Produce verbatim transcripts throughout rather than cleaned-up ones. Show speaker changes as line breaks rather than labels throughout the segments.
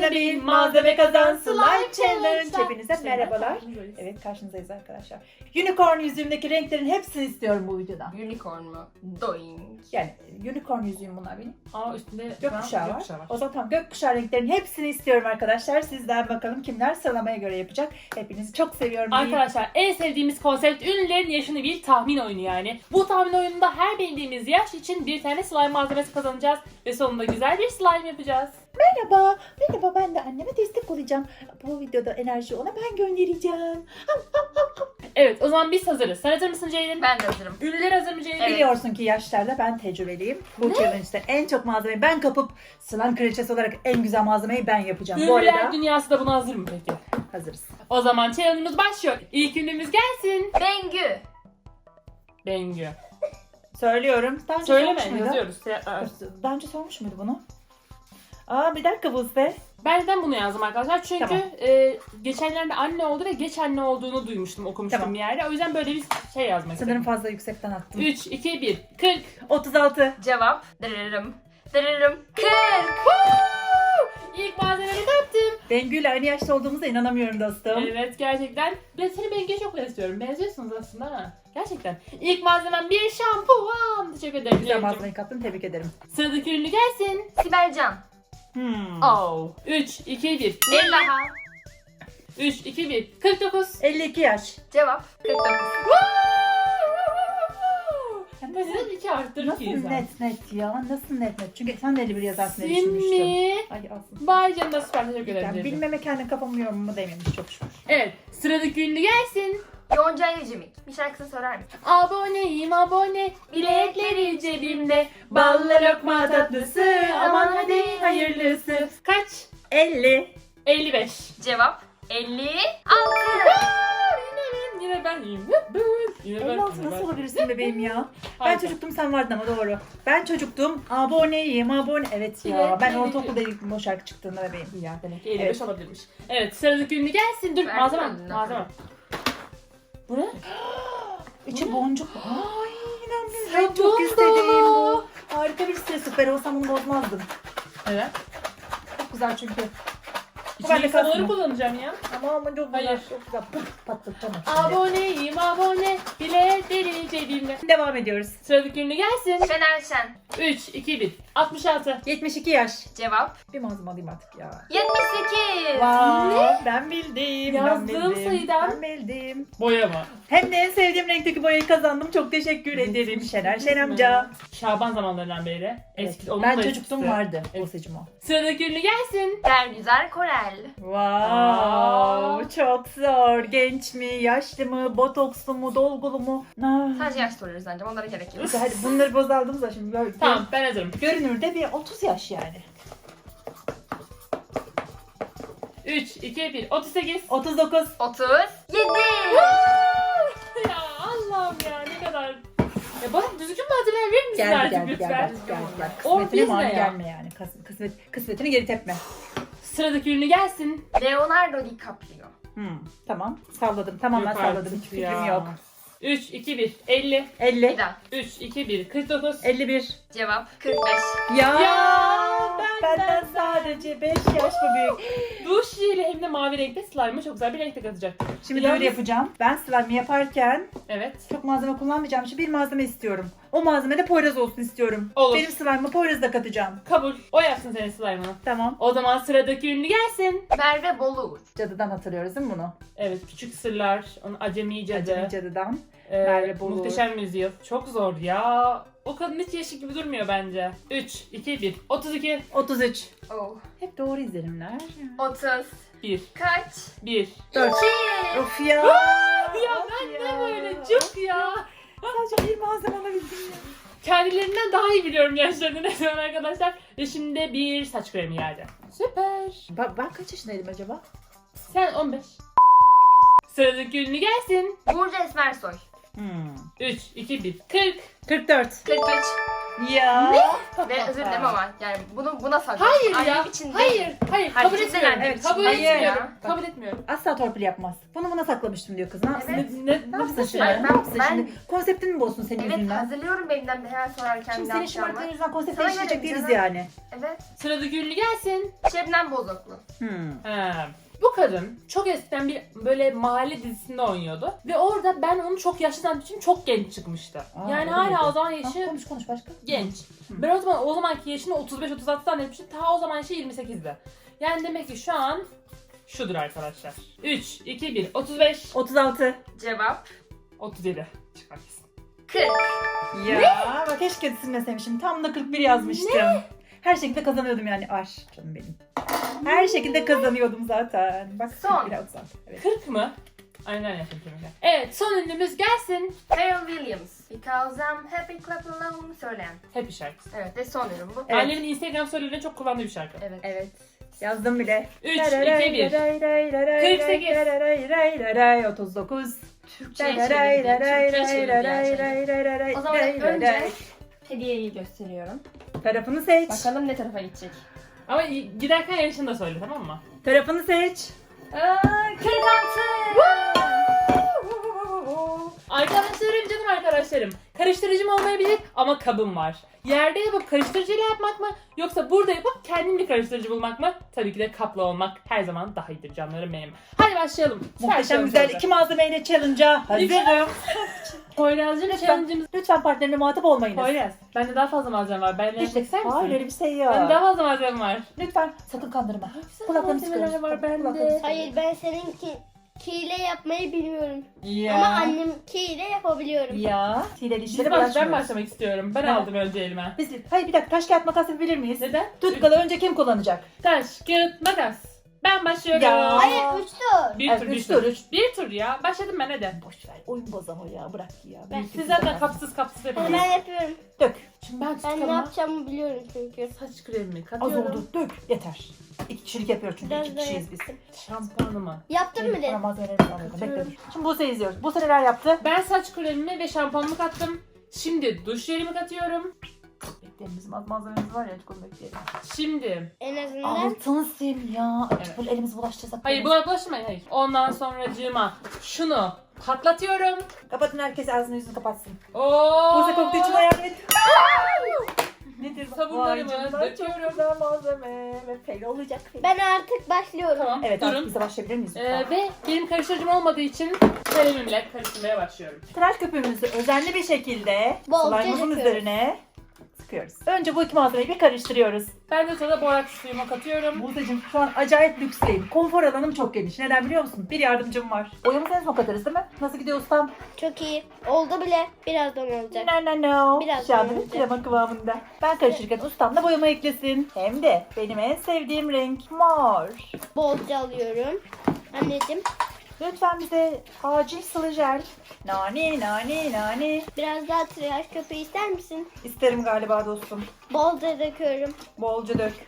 Başına bir malzeme kazan slime challenge. Hepinize
İşte
merhabalar.
karşınızdayız.
Evet, karşınızdayız arkadaşlar. Unicorn yüzüğümdeki renklerin hepsini istiyorum bu videoda.
Unicorn mu? Doing.
Yani unicorn yüzüğüm bunlar benim.
Aa üstünde
Gökkuşağı var.
gökkuşağı var.
O zaman tamam, gökkuşağı renklerin hepsini istiyorum arkadaşlar. Sizden bakalım kimler sıralamaya göre yapacak. Hepinizi çok seviyorum.
Arkadaşlar en sevdiğimiz konsept ünlülerin yaşını bir tahmin oyunu yani. Bu tahmin oyununda her bildiğimiz yaş için bir tane slime malzemesi kazanacağız ve sonunda güzel bir slime yapacağız.
Merhaba, merhaba, ben de anneme destek olacağım. Bu videoda enerji ona ben göndereceğim.
Evet o zaman biz hazırız. Sen hazır mısın Ceylin?
Ben de hazırım.
Ünlüler hazır mı Ceylin?
Evet.
Biliyorsun ki yaşlarda ben tecrübeliyim. Bu challenge'da en çok malzemeyi ben kapıp slime kraliçesi olarak en güzel malzemeyi ben yapacağım. Bu
Ünlüler
arada
dünyası da buna hazır mı peki?
hazırız.
O zaman challenge'ımız başlıyor. İlk ünlümüz gelsin.
Bengü.
Bengü.
Söylüyorum. Daha önce
Söyleme
sormuş muydu?
yazıyoruz.
Dur, Daha önce sormuş muydu bunu? Aa, bir dakika Buse.
Ben neden bunu yazdım arkadaşlar? Çünkü
Tamam.
e, geçenlerde anne oldu ve geç anne olduğunu duymuştum, okumuştum
Tamam.
bir yerde. O yüzden böyle bir şey yazmak
Sanırım
istedim.
fazla yüksekten attım.
üç, iki, bir, kırk.
otuz altı.
Cevap. Dırırım. Dırırım. Kırk.
İlk malzememi kaptım.
Bengü ile aynı yaşta olduğumuza inanamıyorum dostum.
Evet gerçekten. Ben seni Bengi'ye çok benziyorum. Benziyorsunuz aslında ha. Gerçekten. İlk malzemem bir şampuan. Teşekkür ederim.
Güzel
Ceylin.
malzemeyi kaptın, tebrik ederim.
Sıradaki ünlü gelsin.
Sibel Can.
Hmm.
Oh. üç, iki, bir.
Bir daha.
üç, iki, bir. kırk dokuz.
elli iki yaş.
Cevap. kırk dokuz.
Sizin iki arttırır
Nasıl
ki insan.
net net ya? Nasıl net net? Çünkü sen de elli bir yazarsın diye düşünmüştüm.
Simmi.
Ay aslında.
Bay canına süper teşekkür ederim.
Yani
Ceylin.
bilmeme kendi kafamı yorumumu dememiş çok şükür.
Evet. Sıradaki ünlü gelsin.
Yonca Evcimik. Bir şarkısını söyler misin?
Aboneyim abone, bilekleri cebimde, ballı lokma tatlısı, aman hadi hayırlısı. Kaç?
elli.
elli beş.
Cevap. elli altı.
Yine ben, yine ben iyiyim. Yine ben,
elli altı
yine
nasıl
ben.
olabilirsin bebeğim ya? Ben
Harika.
çocuktum, sen vardın ama doğru. Ben çocuktum, aboneyim, abone. Evet ya,
Evet,
ben
evet.
ortaokulda ilk o şarkı çıktığında bebeğim.
Ya demek ki elli beş
Evet.
olabilirmiş. Evet sıradaki ünlü gelsin. Dur
Ver
malzeme,
kendine.
malzeme. Bu ne?
İçi boncuk. Ay inanmıyorum.
Sabun
Ben çok istediğim
dolu.
bu. Harika bir site, süper olsam bunu bozmazdım.
Evet.
Çok güzel çünkü.
İçine
Ben de
insanları
kasma.
kullanacağım ya.
Ama ama çok güzel.
Hayır.
Çok güzel. Puf, patlatacağım.
Aboneyim abone, bilekleri cebimde.
Devam ediyoruz.
Sıradaki ünlü gelsin.
Şener Şen.
üç, iki, bir. altmış altı.
yetmiş iki yaş.
Cevap.
Bir malzeme alayım artık ya.
yetmiş sekiz.
Wow, ben bildim.
Yazdığım
ben bildim.
sayıdan-
Ben bildim.
Boyama.
Hem de en sevdiğim renkteki boyayı kazandım. Çok teşekkür ederim Şener Şen amca.
Şaban zamanlarından beri. Eski, onun
Ben
da
çocukluğum
eskisi.
vardı.
Evet.
Bozacım o.
Sıradaki ünlü gelsin.
Bergüzar Korel.
Wow,
Aa.
çok zor. Genç mi, yaşlı mı, botokslu mu, dolgulu mu? Ah.
Sadece yaş soruyoruz ancak onlara gerek yok.
Hadi bunları bozaldım da şimdi. Gör,
Tamam ben hazırım.
Görünürde bir otuz yaş yani.
üç, iki, bir. otuz sekiz.
otuz dokuz.
otuz yedi.
Ya Allah'ım ya ne kadar. Ya bana düzgün malzemeler verir misin
Geldi
artık
geldi
lütfen?
geldi geldi. geldi.
O
Kısmetine
biz
mani
ne ya?
gelme yani. Kıs- Kısmet, kısmetini geri tepme.
Sıradaki ünlü gelsin.
Leonardo DiCaprio.
Hmm, tamam. Salladım. Tamamen
Yok
salladım.
artık
Hiç fikrim
ya.
yok.
üç, iki, bir. elli.
Bir
elli.
daha.
üç, iki, bir. kırk dokuz.
elli bir.
Cevap. kırk beş.
Ya,
Ya,
benden
benden
sadece beş yaş mı büyük?
Bu şişeyle hem de mavi renkte slime'ı çok güzel bir renkte katacak.
Şimdi
Yalnız-
böyle yapacağım. Ben slime yaparken
Evet.
çok malzeme kullanmayacağım için bir malzeme istiyorum. O malzeme de Poyraz olsun istiyorum.
Olur.
Benim slime'ımı Poyraz'da katacağım.
Kabul. O yapsın senin slime'ını.
Tamam.
O zaman sıradaki ünlü gelsin.
Merve Boluğur.
Cadıdan hatırlıyoruz değil mi bunu?
Evet küçük sırlar. Onun acemi cadı.
Acemi cadıdan.
Ee,
Merve Boluğur.
Muhteşem yüzyıl. Çok zor ya. O kadın hiç yaşı gibi durmuyor bence. üç, iki, bir. otuz iki.
otuz üç.
Oh.
Hep doğru izlenimler.
otuz.
bir.
Kaç?
bir.
Dört.
iki.
Of ya.
Ya
Of
ben
ya.
de böyle cık ya.
Sadece bir malzeme alabildim ya.
Kendilerinden daha iyi biliyorum yaşlarını ne zaman arkadaşlar. Ve şimdi bir saç kremi geldi. Süper.
Ben, ben kaç yaşındaydım acaba?
Sen on beş. Sıradaki ünlü gelsin.
Burcu Esmersoy.
Hmm.
üç, iki, bir. kırk.
kırk dört.
kırk üç.
Ya.
Ve özür dilerim ama yani bunu buna saklıyorum.
Hayır ya.
Annem için değil.
Hayır. Hayır.
Hayır,
Kabul
cidden
etmiyorum.
annem
Evet,
için
kabul
değil
etmiyorum.
ya.
Kabul etmiyorum.
Asla torpil yapmaz. Bunu buna saklamıştım diyor kız. Ne yapsın?
Evet.
Ne, ne,
Ne yapsın
nasıl
şimdi?
yani?
Ne yapsın
Ben-
şimdi? Konseptini mi bozsun senin
Evet,
yüzünden?
hazırlıyorum benimden bir hemen sorarken
Şimdi
ne
senin
yapacağımı.
şımarıklığın yüzünden konsept
Sana
değiştirecek
göre
değiliz
canım.
yani.
Evet.
Sıradaki ünlü gelsin.
Şebnem Bozoklu.
Hmm.
Ha. Bu kadın çok eskiden bir böyle mahalle dizisinde oynuyordu. Ve orada ben onu çok yaşlı zannettiğim için çok genç çıkmıştı.
Aa,
yani
öyle
hala
miydi?
o zaman
Ha,
yaşı
konuş konuş başka.
genç. Ben o zaman o zamanki yaşını otuz beş otuz altı zannetmiştim. Ta o zaman yaşı yirmi sekizdi. Yani demek ki şu an şudur arkadaşlar. üç, iki, bir. otuz beş,
otuz altı.
Cevap
otuz yedi. Çıkar kesin.
kırk.
Ya bak keşke silmeseymişim. Tam da kırk bir yazmıştım. Her şekilde kazanıyordum yani. Ay canım benim. Her şekilde kazanıyordum zaten. Bak
Son.
kırk bir otuz altı. Evet.
kırk mı? Aynen yapayım şimdi. Evet, son ünlümüz gelsin.
Pharrell Williams. Because I'm happy clap alone söyleyen.
Happy şarkısı.
Evet ve son ürün bu.
Evet.
Annemin Instagram storylerinde çok kullandığı bir şarkı.
Evet.
Evet. Yazdım bile.
üç, iki, bir. kırk sekiz.
otuz dokuz.
Türkçe'ye çevirdi. Türkçe'ye çevirdi. O zaman önce hediyeyi gösteriyorum.
Tarafını seç.
Bakalım ne tarafa gidecek.
Ama giderken yarışını da söyle, tamam mı?
Tarafını seç.
Aa, kırk altı.
Arkadaşlarım, canım arkadaşlarım. Karıştırıcım olmayabilir ama kabım var. Yerde yapıp karıştırıcıyla yapmak mı? Yoksa burada yapıp kendim bir karıştırıcı bulmak mı? Tabii ki de kaplı olmak her zaman daha iyidir canlarım benim. Hadi başlayalım.
Muhteşem güzel iki malzemeyle challenge'a hazırım.
Poyraz'cığım
Lütfen,
challenge'ımız...
lütfen partnerine muhatap olmayınız.
Poyraz, bende daha fazla malzeme var. Benimle yapmak ister misin?
Hayır öyle bir şey
Bende
yok.
daha fazla malzeme var.
Lütfen sakın kandırma.
Güzel
Kulaklarını
malzemeler
sıkıyoruz.
var bende.
Kulaklarını sıkıyoruz.
Hayır ben seninki kiyle yapmayı bilmiyorum.
Ya.
Ama annemkiyle yapabiliyorum.
Ya. Hileli
Biz
işlere
baş, ben
bulaşmıyoruz.
başlamak istiyorum. Ben
Ha.
aldım önce elime.
Biz, hayır bir dakika taş kağıt makas yapabilir miyiz?
Neden?
Tutkalı önce kim kullanacak?
Taş, kağıt, makas. Ben başlıyorum.
Ya.
Hayır üç tur.
Bir
Evet,
tur,
üç
bir
tur,
tur.
üç.
Bir tur ya. Başladım ben hadi.
Boş ver oyun bozama ya bırak ya.
Ben-
Büyük
Siz
bir
zaten
kız
kapsız kapsız
Ben
yapıyorsunuz.
yapıyorum.
Dök.
Şimdi ben
Ben ne
tutkama
yapacağımı biliyorum çünkü.
saç kremimi
Az
katıyorum.
oldu dök. Yeter. İki kişilik yapıyoruz çünkü
Biraz
iki
daha
kişiyiz biz.
Şampuanımı.
Yaptın mı
Bana
de?
malzemeleri alıyordum. Bekle dur. Şimdi Buse izliyoruz. Buse neler yaptı?
Ben saç kremimi ve şampuanımı kattım. Şimdi duş jelimi katıyorum.
Bekleyelim bizim az malzememiz var ya hiç onu bekleyelim.
Şimdi.
En azından.
Altın sim ya.
Evet.
Evet. Böyle elimizi bulaştırsak.
Hayır buna bulaşmayın hayır. Ondan sonracığıma şunu patlatıyorum.
Kapatın herkes ağzını yüzünü kapatsın.
Oo.
Buse koktuğu için ayağını et. Nedir?
Sabunlarımı
Vay canına,
döküyorum.
Çok güzel malzeme. Ve fail olacak. fail.
Ben artık başlıyorum.
Tamam
Evet artık
durun.
bize başlayabilir miyiz?
Ee,
lütfen?
ve benim karıştırıcım olmadığı için kalemimle karıştırmaya başlıyorum.
Tıraş köpüğümüzü özenli bir şekilde
Bolca
slime'ımızın
döküyoruz.
üzerine sıkıyoruz. Önce bu iki malzemeyi bir karıştırıyoruz.
Ben de sonra boraks suyumu katıyorum.
Buse'cim şu an acayip lüksteyim. Konfor alanım çok geniş. Neden biliyor musun? Bir yardımcım var. Boyamızı en son katarız değil mi? Nasıl gidiyor ustam?
Çok iyi. Oldu bile. Birazdan olacak.
No no no.
Biraz
Şu anda
daha
bir krema kıvamında. Ben karıştırırken ustam da boyama eklesin. Hem de benim en sevdiğim renk mor.
Bolca alıyorum. Anneciğim
Lütfen bize acil sıvı jel. Nani nani nani.
biraz daha tıraş köpüğü ister misin?
İsterim galiba dostum.
Bolca döküyorum.
Bolca dök.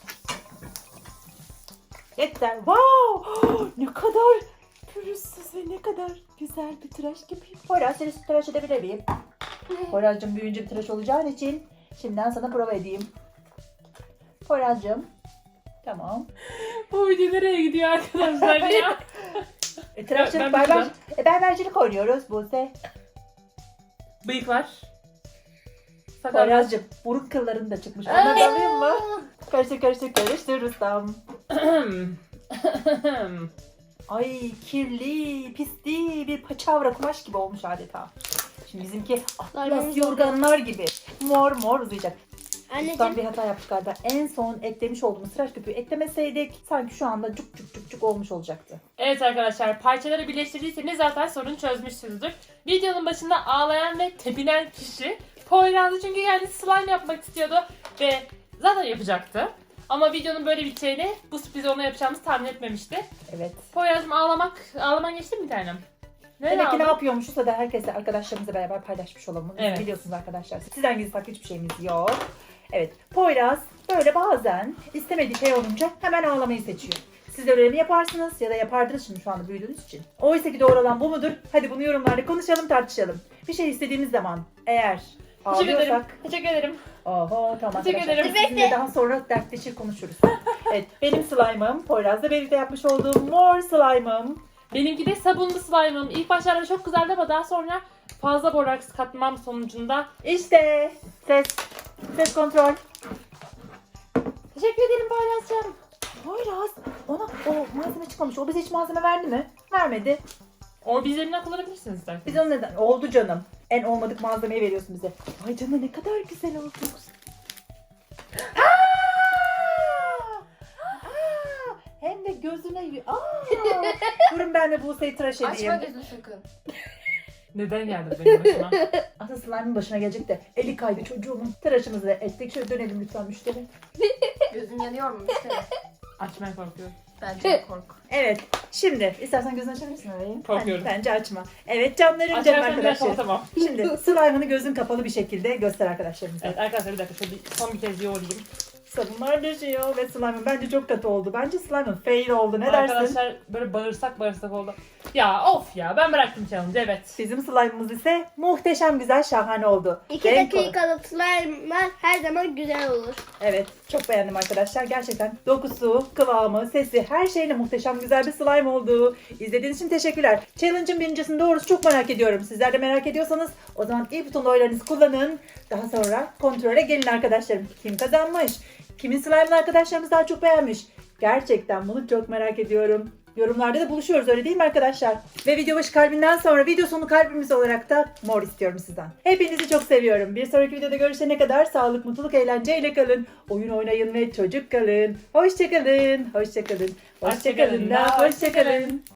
Yeter. Wow! Ne kadar pürüzsüz ve ne kadar güzel bir tıraş köpüğü. Poyraz seni tıraş edebilir miyim? Poyraz'cığım büyüyünce bir tıraş olacağın için şimdiden sana prova edeyim. Poyraz'cığım. Tamam.
Bu video nereye gidiyor arkadaşlar ya?
E, tıraşçılık,
Ben- ben
berber,
bakacağım.
e, berbercilik oynuyoruz Buse.
Bıyıklar. Sakal.
Poyraz'cığım burun kılların da çıkmış. Onları da alayım mı? Karıştır karıştır karıştır ustam. Ay kirli, pisli bir paçavra kumaş gibi olmuş adeta. Şimdi bizimki atlas
Larmamız
yorganlar gibi mor mor uzayacak. Ustam
Anneciğim
bir hata yaptık galiba. En son eklemiş olduğumuz tıraş köpüğü eklemeseydik sanki şu anda cuk cuk cuk cuk olmuş olacaktı.
Evet arkadaşlar, parçaları birleştirdiyseniz zaten sorunu çözmüşsünüzdür. Videonun başında ağlayan ve tepinen kişi Poyraz'dı çünkü kendisi slime yapmak istiyordu ve zaten yapacaktı. Ama videonun böyle biteceğini, bu sürprizi ona yapacağımızı tahmin etmemişti.
Evet.
Poyraz'cığım ağlamak, ağlaman geçti mi bir tanem? Ne
Demek ki ne
aldın?
yapıyormuşuz da herkesle arkadaşlarımızla beraber paylaşmış olalım. Biz
Evet.
biliyorsunuz arkadaşlar. Sizden gizli saklı hiçbir şeyimiz yok. Evet. Poyraz böyle bazen istemediği şey olunca hemen ağlamayı seçiyor. Siz de öyle mi yaparsınız ya da yapardınız şimdi şu anda büyüdüğünüz için. Oysa ki doğru olan bu mudur? Hadi bunu yorumlarda konuşalım tartışalım. Bir şey istediğimiz zaman eğer
Teşekkür ederim.
Ağlıyorsak.
Teşekkür ederim.
Oho tamam
Teşekkür
arkadaşlar.
ederim.
Biz sizinle daha sonra dertleşir konuşuruz. Evet benim slime'ım. Poyraz'la birlikte yapmış olduğum mor slime'ım.
Benimki de sabunlu slime'ım. İlk başlarda çok güzeldi ama daha sonra fazla boraks katmam sonucunda.
İşte ses. Ses kontrol.
Teşekkür ederim Poyraz'cığım.
Poyraz ona o malzeme çıkmamış. O bize hiç malzeme verdi mi? Vermedi.
O bizlerinden kullanabilirsiniz isterseniz.
Biz onu neden? Oldu canım. En olmadık malzemeyi veriyorsun bize. Ay canım ne kadar güzel oldu. Aa! Aa! Hem de gözüne... y- Aa! Durun ben de Buse'yi tıraş edeyim.
Açma gözünü sakın.
Neden geldi benim başıma?
Aslında slime'ın başına gelecek de eli kaydı çocuğumun. Tıraşımızı da ettik. Şöyle dönelim lütfen müşteri.
Gözün yanıyor mu müşteri?
Açmaya korkuyorum.
Bence de kork.
Evet. Şimdi istersen gözünü açabilirsin orayı.
Korkuyorum.
Bence, bence açma. Evet canlarım canım
Açarsan bir dakika
arkadaşlar.
tamam.
Şimdi slime'ını gözün kapalı bir şekilde göster arkadaşlarımıza.
Evet arkadaşlar bir dakika şöyle bir- son bir kez yoğurayım.
Sabunlar düşüyor ve slime'ın bence çok kötü oldu. Bence slime'ın fail oldu. Ne dersin?
Arkadaşlar böyle bağırsak bağırsak oldu. Ya of ya ben bıraktım challenge evet.
Bizim slime'ımız ise muhteşem güzel şahane oldu.
İki
Renk olarak-
dakikalık slime'lar her zaman güzel olur.
Evet çok beğendim arkadaşlar. Gerçekten dokusu, kıvamı, sesi her şeyle muhteşem güzel bir slime oldu. İzlediğiniz için teşekkürler. Challenge'ın birincisini doğrusu çok merak ediyorum. Sizler de merak ediyorsanız o zaman i butonlu oylarınızı kullanın. Daha sonra kontrole gelin arkadaşlarım. Kim kazanmış? Kimin slime'ını arkadaşlarımız daha çok beğenmiş? Gerçekten bunu çok merak ediyorum. Yorumlarda da buluşuyoruz öyle değil mi arkadaşlar? Ve video başı kalbinden sonra video sonu kalbimiz olarak da mor istiyorum sizden. Hepinizi çok seviyorum. Bir sonraki videoda görüşene kadar sağlık, mutluluk, eğlenceyle kalın. Oyun oynayın ve çocuk kalın. Hoşçakalın. Hoşçakalın. Hoşçakalın da hoşçakalın.